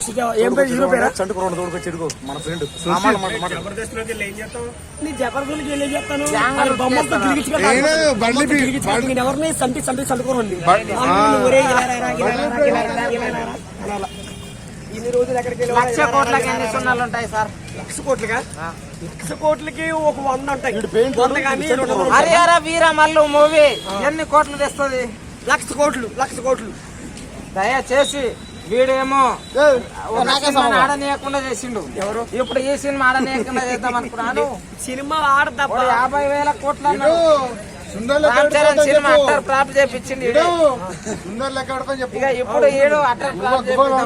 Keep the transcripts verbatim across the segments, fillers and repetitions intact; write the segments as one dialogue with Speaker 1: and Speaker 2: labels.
Speaker 1: ఏం పేరు హీరో పేరా?
Speaker 2: చంటుకోండి తోడుకొచ్చి ఎడుకో మన ఫ్రెండ్
Speaker 1: జబర్దస్త్ లోకి వెళ్ళి ఏం చేస్తావు? నీ జబర్దస్త్ వెళ్ళి ఏం చేస్తాను? బొమ్మతో నేను ఎవరిని సంటి సంటి చంటుకోరండి. ఇన్ని రోజులు ఎక్కడికి
Speaker 3: లక్ష కోట్లకి ఎన్ని సున్నాలు ఉంటాయి సార్?
Speaker 1: లక్ష కోట్లుగా లక్ష కోట్లకి ఒక వంద ఉంటాయి.
Speaker 3: హరిహర వీర మల్లు మూవీ ఎన్ని కోట్లు తెస్తుంది?
Speaker 1: లక్ష కోట్లు లక్ష కోట్లు
Speaker 3: దయచేసి వీడేమో ఆడనీయకుండా చేసిండు. ఎవరు ఇప్పుడు ఈ సినిమా ఆడనీయకుండా చేద్దాం అనుకున్నాను.
Speaker 1: సినిమా ఆడతా
Speaker 3: యాభై వేల కోట్ల రామ్ చరణ్ సినిమా అట్టర్ ఫ్లాప్ చేపించింది. ఇక ఇప్పుడు ఏడు అట్టర్ ఫ్లాప్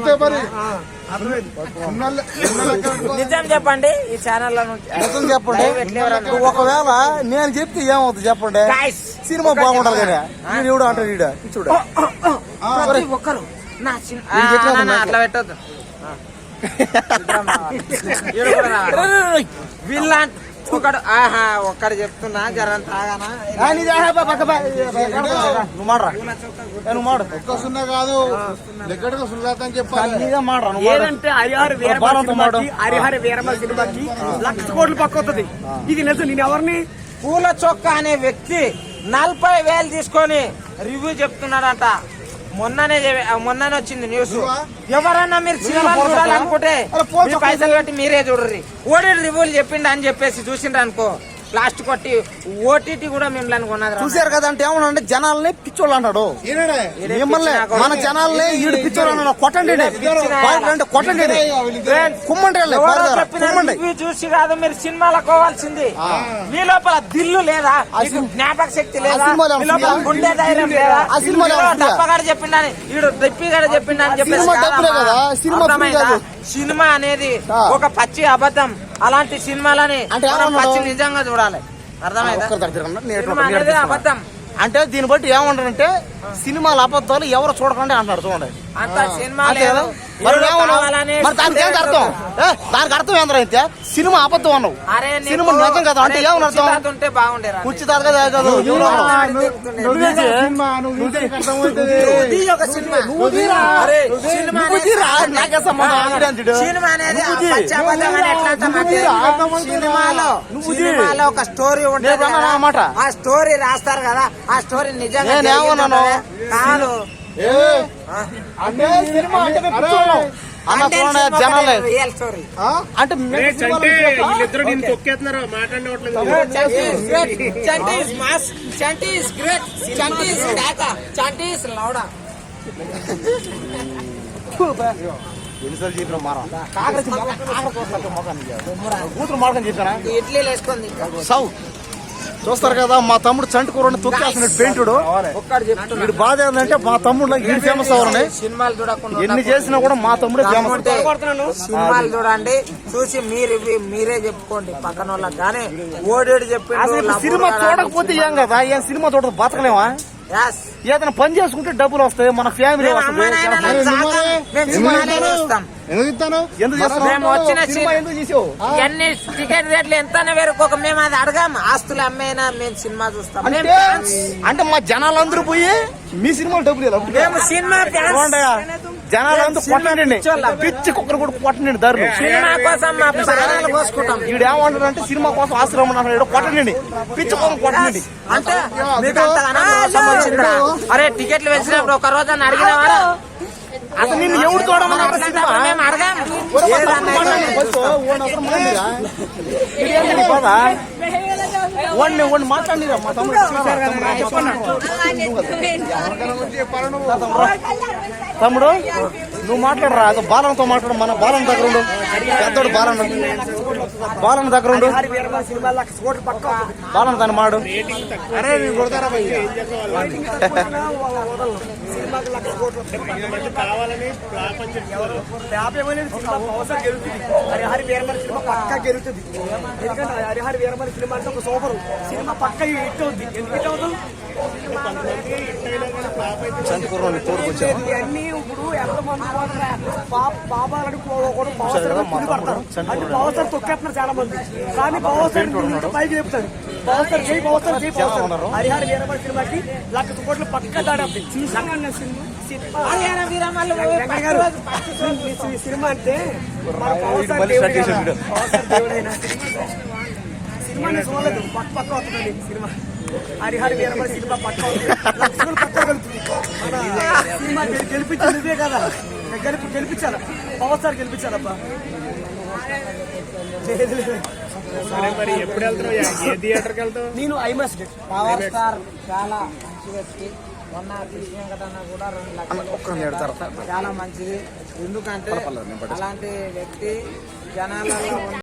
Speaker 3: నిజం చెప్పండి ఈ ఛానల్
Speaker 2: నిజం చెప్పండి. ఒకవేళ నేను చెప్తే ఏమవుతుంది చెప్పండి? సినిమా బాగుండాలి కదా నేను ఎవడు అంటాడు ఈడ చూడ
Speaker 3: ప్రతి ఒక్కరు అట్లా పెట్టద్దు. వీళ్ళ ఒకడు ఆహా ఒక్కడు చెప్తున్నా జరం తాగానా
Speaker 2: నువ్వు మాడరా నువ్వు మాడు ఒక్క సున్నా కాదు లెక్కడిగా సుల్లాతని చెప్పాలి.
Speaker 1: ఏంటంటే హరిహర వీరమల్లు హరిహర వీరమల్లు సినిమాకి లక్ష కోట్లు పక్కొస్తుంది. ఇది నిజం. నేను ఎవరిని
Speaker 3: పూల చొక్క అనే వ్యక్తి నలభై వేలు తీసుకొని రివ్యూ చెప్తున్నాడంట. మొన్ననే మొన్ననే వచ్చింది న్యూస్. ఎవరన్నా మీరు సినిమా చూడాలనుకుంటే పైసలు కట్టి మీరే చూడరు. ఓడి రివ్యూలు చెప్పిండు అని చెప్పేసి చూసిండ్రు అనుకో లాస్ట్ కొట్టి ఓటీటీ కూడా మిమ్మల్ని కొన్నది
Speaker 2: చూసారు కదా. అంటే ఏమన్నా జనాలని పిచ్చోళ్ళు అంటాడు. మిమ్మల్ని మన జనాల్ని ఈడు పిచ్చోళ్ళు అన్నాడు. కొట్టండి అంటే కొట్టండి కుమ్మండి
Speaker 3: చూసి కాదు మీరు సినిమాలకు పోవాల్సింది. మీ లోపల దిల్లు లేదా? జ్ఞాపక శక్తి లేదా? గుండె ధైర్యం లేదా? దప్పగాడు చెప్పిండని ఈడు దప్పిగాడు చెప్పిండని చెప్పేసి సినిమా అనేది ఒక పచ్చి అబద్ధం. అలాంటి సినిమాలని పచ్చి నిజంగా చూడాలి. అర్థమైందా? అబద్ధం
Speaker 2: అంటే దీన్ని బట్టి ఏమంటారంటే సినిమాల అబద్ధాలు ఎవరు చూడకండి అంటారు. చూడండి దానికి అర్థం దానికి అర్థం ఏంద్ర అయితే సినిమా అబద్ధం అన్నావు. సినిమా నిజం కదా అంటే ఏమని అర్థం? కుర్చీ తాత
Speaker 3: సినిమాలో ఒక స్టోరీ ఉంటుంది అన్నమాట. ఆ స్టోరీ రాస్తారు కదా, ఆ స్టోరీ నిజంగా కాదు.
Speaker 2: అంటే సినిమా అంటే జనాలే అంటే
Speaker 1: వీళ్ళిద్దరు నేను తొక్కేస్తున్నారు మాట్లాడవట్లేదు.
Speaker 2: ఎన్నిసార్లు చెప్పిన మారా కూతురు మార్గం చెప్పానా
Speaker 3: ఇడ్లీలు వేసుకుంది
Speaker 2: సౌ చూస్తారు కదా. మా తమ్ముడు చంటుకూరని తొక్కేస్తున్నాడు పెయింటుడు. వీడు బాధ ఏంటంటే మా తమ్ముడు వీడు ఫేమస్ అవ్వాలని
Speaker 3: సినిమాలు చూడకుండా
Speaker 2: ఎన్ని చేసినా కూడా మా తమ్ముడే ఫేమస్.
Speaker 3: సినిమాలు చూడండి, చూసి మీరు మీరే చెప్పుకోండి పక్కన వాళ్ళకి. కానీ ఓడేడు చెప్పి
Speaker 2: సినిమా చూడకపోతే ఏం కదా, ఏం సినిమా చూడదు బతకలేమా? ఏదైనా పని చేసుకుంటే డబ్బులు వస్తాయి, మన ఫ్యామిలీ వస్తుంది.
Speaker 3: ఎన్ని టికెట్ రేట్లు ఎంత వేరుకోక మేము అది అడగాం. ఆస్తులు అమ్మేనా మేము సినిమా చూస్తాం.
Speaker 2: అంటే మా జనాలందరూ పోయి మీ సినిమా డబ్బులు
Speaker 3: మేము సినిమా
Speaker 2: జనాలందరూ కొట్టండి, పిచ్చి కుక్కరు కూడా కొట్టండి ధరలు.
Speaker 3: సినిమా కోసం మా ప్రాణాలు కోసుకుంటాం.
Speaker 2: వీడు ఏమంటాడు అంటే సినిమా కోసం ఆశ్రమం అన్నాడు. కొట్టండి పిచ్చి కుక్కరు కొట్టండి.
Speaker 3: అంటే అరే టికెట్లు వేసినప్పుడు ఒక రోజు అని అడిగినవారా?
Speaker 2: అసలు నిన్ను ఎవరు చూడమన్నారు?
Speaker 3: మేము అడగాం.
Speaker 2: మాట్లాడిరా మా తమ్ముడు తమ్ముడు నువ్వు మాట్లాడరా. అది బాలనతో మాట్లాడు. మన బాలన దగ్గర ఉండు. పెద్దోడు బాలన బాలన దగ్గర ఉండు. బాలన దాన్ని మాడు. అరే నేను కొడతారా
Speaker 1: కావాలని హరిహర వీరమల్లు సినిమా పక్కా గెలుతుంది. ఎందుకంటే హరిహర వీరమల్లు సినిమా అంటే ఒక సూపర్ సినిమా పక్క హిట్ అవుతుంది. ఎందుకు హిట్ అవుతుంది? అన్ని ఇప్పుడు ఎంతమంది పాపాలని కూడా పవర్ స్టార్ తొక్కేస్తున్నారు చాలా మంది. కానీ పవర్ స్టార్ పైకి చెప్తారు. పవర్ స్టార్ జై పవర్ స్టార్ జై పవర్ స్టార్ హరిహర వీరమల్లి సినిమాకి లక్ష కోట్లు పక్క దాడాలి
Speaker 3: హరిహర వీరమల్లి
Speaker 1: వెంకయ్య గారు ఈ సినిమా అంటే మన పవర్ స్టార్ దేవుడు కదా. పవర్ స్టార్ దేవుడైనా సినిమాని చూడలేదు పక్క పక్క అవుతుందండి సినిమా. హరిహర వీరమల్లి సినిమా పక్క అవుతుంది లక్షలు పక్క కలుగుతుంది. మన సినిమా గెలిపించింది ఇదే కదా, గెలిపి గెలిపించాలా పవర్ స్టార్ గెలిపించాలబ్బా.
Speaker 4: సరే మరి ఎప్పుడు వెళ్తున్నావు? ఏ థియేటర్కి వెళ్తావు?
Speaker 1: నేను ఐమాస్
Speaker 3: పవర్ స్టార్ చాలా మంచి వ్యక్తి. మొన్న కృష్ణ వెంకటన్న కూడా రెండు లక్షలు చాలా మంచిది. ఎందుకంటే అలాంటి వ్యక్తి జనాలలో